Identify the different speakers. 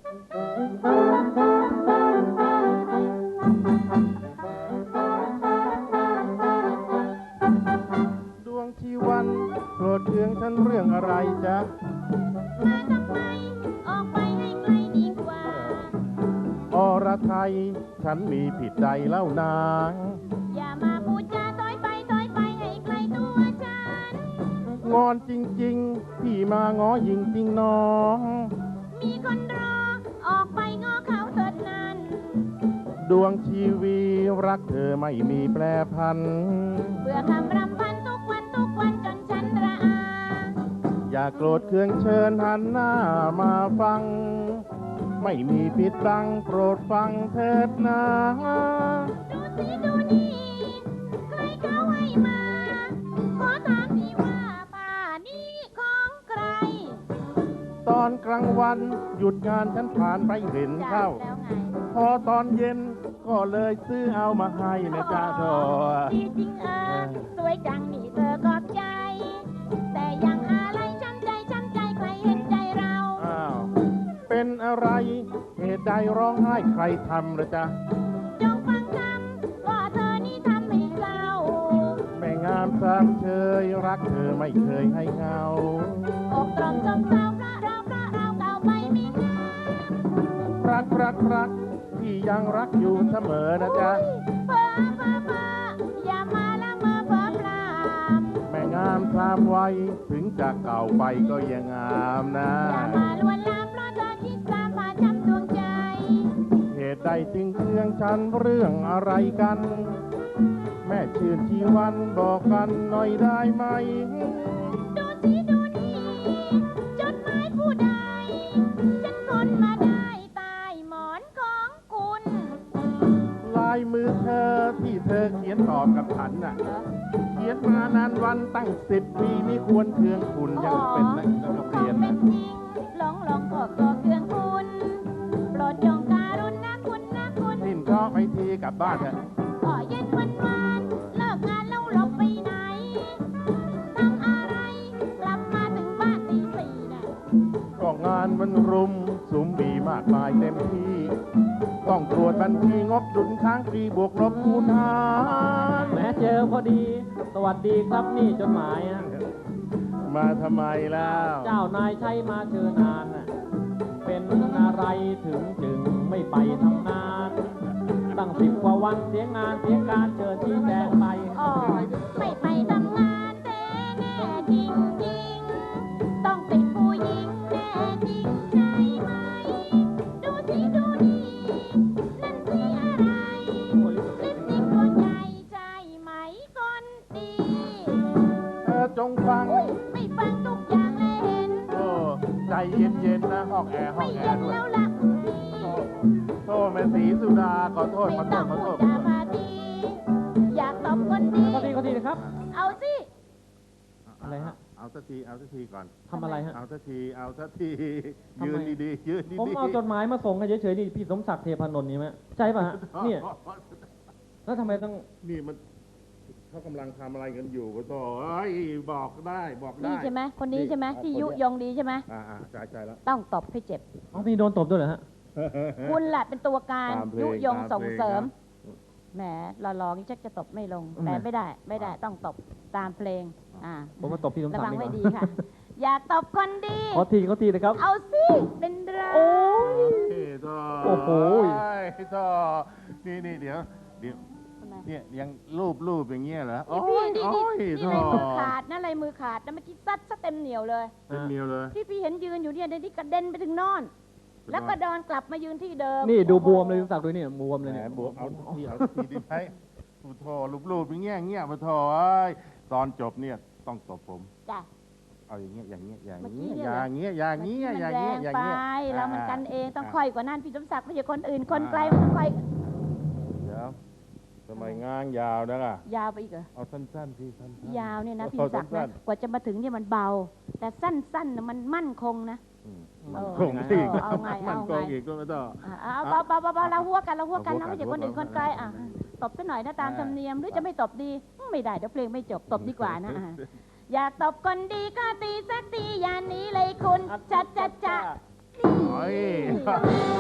Speaker 1: ดวงชีวันโปรดเคืองฉันเรื่องอะไรจ๊ะ
Speaker 2: มาทำไมออกไปให้ไกลดีกว่า
Speaker 1: อรไทยฉันมีผิดใดเล่านาง
Speaker 2: อย่ามาพูดจาถอยไปให้ไกลตัวฉัน
Speaker 1: งอนจริงๆพี่มาง้อยิงจริงน้อง
Speaker 2: มีคนรอออกไปง้อเขาเถิดนั้น
Speaker 1: ดวงชีวีรักเธอไม่มีแปรพัน
Speaker 2: เบื่อคำรำพันทุกวันจนฉันระอา
Speaker 1: อย่าโกรธเคืองเชิญหันหน้ามาฟังไม่มีปิดบังโปรดฟังเถิดนะ
Speaker 2: ดูสิดูนี่ใครเขาให้มาขอถามทีว่าผ้านี้ของใคร
Speaker 1: ตอนกลางวันหยุดงานฉันผ่านไปเห็นเข้าพอตอนเย็นก็เลยซื้อเอามาให้นะจ๊ะโธ่
Speaker 2: ดีจริงสวยจังนี่เธอขอบใจแต่ยังอะไรช้ำใจใครเห็นใจเรา
Speaker 1: เป็นอะไรเหตุใดร้องไห้ใครทำละจ๊ะ
Speaker 2: จงฟังคำว่าเธอนี่ทำให้เศร้า
Speaker 1: แม่งามสามเชยรักเธอไม่เคยให้เงา
Speaker 2: อกตรมจมเศร้าเพราะเราเก่าไปไม่งาม
Speaker 1: รักที่ยังรักอยู่เสมอนะจ๊ะ
Speaker 2: เพ้ออย่ามาละเมอเพ้อพราม
Speaker 1: แม่งามสามวัยถึงจะเก่าไปก็ยังงามนะ
Speaker 2: อย่ามาลวนลามเพราะเธอคิดตามมาจำดวงใจ
Speaker 1: เหตุใดจึงเคืองฉันเรื่องอะไรกันแม่ชื่นชีวันบอกกันหน่อยได้ไหม
Speaker 2: ดูสิดูนี่จดหมายผู้ใดฉันค้นมาได้ใต้หมอนของคุณ
Speaker 1: ลายมือเธอที่เธอเขียนตอบกับฉันน่ะเขียนมานานวันตั้ง10 ปีไม่ควรเคืองคุณยังเป็นนักเรียน
Speaker 2: เป็นจริงลองก็เคืองคุณโปรดจงการุณนะคุณ
Speaker 1: นิ่มก็ไปทีกลับบ้านเถอะ
Speaker 2: ก็เย็นวันเลิกงานแล้วหลบไปไหนทำอะไรกลับมาถึงบ้านตี 4น่ะ
Speaker 1: ก็งานมันรุมสุมบีมากมายเต็มที่ต้องตรวจบัญชีงบดุลค้างปีบวกลบคูณหาร
Speaker 3: แม้เจอพอดีสวัสดีครับนี่จดหมาย
Speaker 1: มาทำไมแล้ว
Speaker 3: เจ้านายใช้มาเชิญนานเป็นอะไรถึงจึงไม่ไปทำงานตั้ง10 กว่าวันเสียงานเสียการเชิญที่แจงไป
Speaker 2: ไม่ไปทำงานแน่จริงต้องติดผู้หญิงแน่จริงใช่ไหมดูสิดูนี่นั่นสีอะไรลิปสติกตัวใหญ่ใช่ไหมคนดี
Speaker 1: เธอจงฟัง
Speaker 2: ไม่ฟังทุกอย่างเลยเห็น
Speaker 1: ใจเย็นๆนะห้องแอร์ด้วย
Speaker 2: แล้วล่ะ
Speaker 1: โทษแม่ศรีสุดาขอโทษ
Speaker 2: ไม่ต้องพูดจาพาดีอยากตบคนดี
Speaker 3: ก็ดีนะครับ
Speaker 2: เอาสิ
Speaker 3: อะไรฮะ
Speaker 1: เอาสักทีก่อน
Speaker 3: ทำอะไรฮะ
Speaker 1: เอาสักทียืนดีๆยืนดีๆ
Speaker 3: ผมเอาจดหมายมาส่งให้เฉยๆนี่พี่สมศักดิ์เทพานนท์นี่ไหมใช่ป่ะฮะเนี่ยแล้วทำไมต้อง
Speaker 1: นี่มันเขากำลังทำอะไรกันอยู่ก็ต่อบอกได้
Speaker 2: นี่ใช่ไหมคนนี้ใช่ไหมที่ยุยงดีใช่ไหม
Speaker 1: ใจแล้ว
Speaker 2: ต้องตบให้เจ็บ
Speaker 3: นี่โดนตบด้วยเหรอฮะ
Speaker 2: คุณแหละเป็นตัวการยุยงส่งเสริมแหมหล่อๆนี่ชักจะตบไม่ลงแต่ไม่ได้ต้องตบตามเพลง
Speaker 3: ผมมาตบพี่สมศักดิ์
Speaker 2: ระวังไว้ดีค่ะอยากตบคนดี
Speaker 3: ขอทีนะครับ
Speaker 2: เอาสิเป็นไร
Speaker 3: โอ้โห
Speaker 1: นี่เดี๋ยวเนี่ยยังรูปอย่างเงี้ยเหรอ
Speaker 2: นี่ลายมือขาดนะลายมือขาดนะเมื่อกี้ซัดซะเต็มเหนียวเลยที่พี่เห็นยืนอยู่เนี่ยในที่กระเด็นไปถึงนอนแล้วก็ดอนกลับมายืนที่เดิม
Speaker 3: นี่ดูบวมเลยสมศักดิ์ด้วยเนี่ยบวมเลยเนี่ย
Speaker 1: บวมเอาทีดีไหมโธ่รูปอย่างเงี้ยมาโธ่ตอนจบเนี่ยต้องตบผม
Speaker 2: จ้ะ
Speaker 1: เอาอย่างเงี้ยอย่างเงี้ย
Speaker 2: ไปเรามันกันเองต้องค่อยกว่านั้นพี่สมศักดิ์ไม่ใช่คนอื่นคนไกลมันค่อย
Speaker 1: เดี๋ยวทำไมงานยาวนะล่ะ
Speaker 2: ยาวไปอีกเหรอ
Speaker 1: เอาสั้นๆพี่
Speaker 2: ยาวเนี่ยนะพี่ศักดิ์นะกว่าจะมาถึงเนี่ยมันเบาแต่สั้นๆมันมั่นคงนะ
Speaker 1: คงอีกมันคงอีกก็ไม่ต้อง
Speaker 2: เบาเราหัวกันนะไม่ใช่คนอื่นคนไกลตบซะหน่อยนะตามธรรมเนียมหรือจะไม่ตบดีไม่ได้เดี๋ยวเพลงไม่จบตบดีกว่านะอยากตบคนดีก็ตีสักทีอย่านี้เลยคุณจัด
Speaker 1: โอ้ย